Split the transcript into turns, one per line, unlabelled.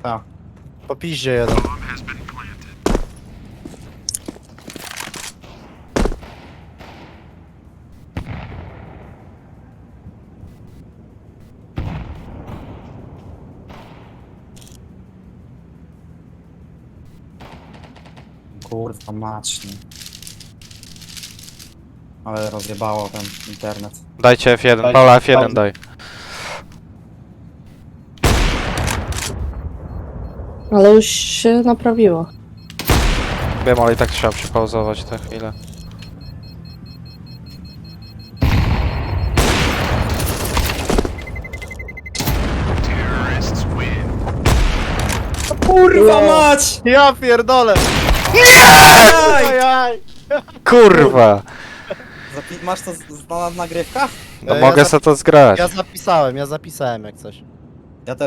Tak. Po piździe jeden. Kurwa mać, nie. Ale rozjebało ten internet.
Dajcie F1, Paula F1 daj.
Ale już się naprawiło.
Wiem, ale i tak trzeba przypauzować tę chwilę.
Kurwa mać! Ja pierdolę! Ajaj!
Kurwa!
Masz to na nagrywkach?
No mogę sobie to zgrać.
Ja zapisałem jak coś.